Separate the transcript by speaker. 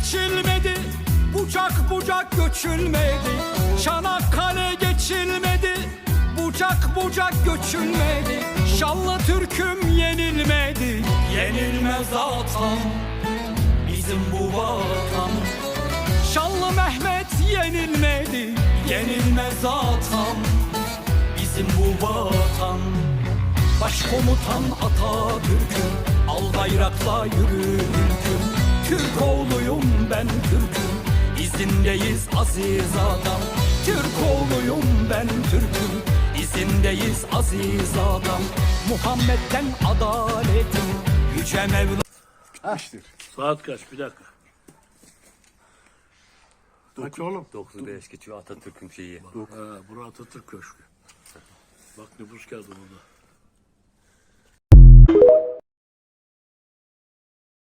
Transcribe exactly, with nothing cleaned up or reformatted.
Speaker 1: geçilmedi, bucak bucak göçülmedi. Çanakkale geçilmedi, bucak bucak göçülmedi. Şanlı Türk'üm yenilmedi, yenilmez atan bizim bu vatan. Şanlı Mehmet yenilmedi, yenilmez atan bizim bu vatan. Başkomutan Atatürk'üm, al bayrakla yürü ülküm. Türk oğluyum ben Türk'üm, izindeyiz aziz adam. Türk oğluyum ben Türk'üm, izindeyiz aziz adam. Muhammed'den adaletim, yüce Mevla.
Speaker 2: Bitmiştir.
Speaker 3: Saat kaç? Bir dakika.
Speaker 2: Kaç oğlum?
Speaker 4: dokuz beş geçiyor Atatürk'ün şeyi.
Speaker 3: Ha, burası Atatürk Köşkü. Bak nüfus kağıdı burada.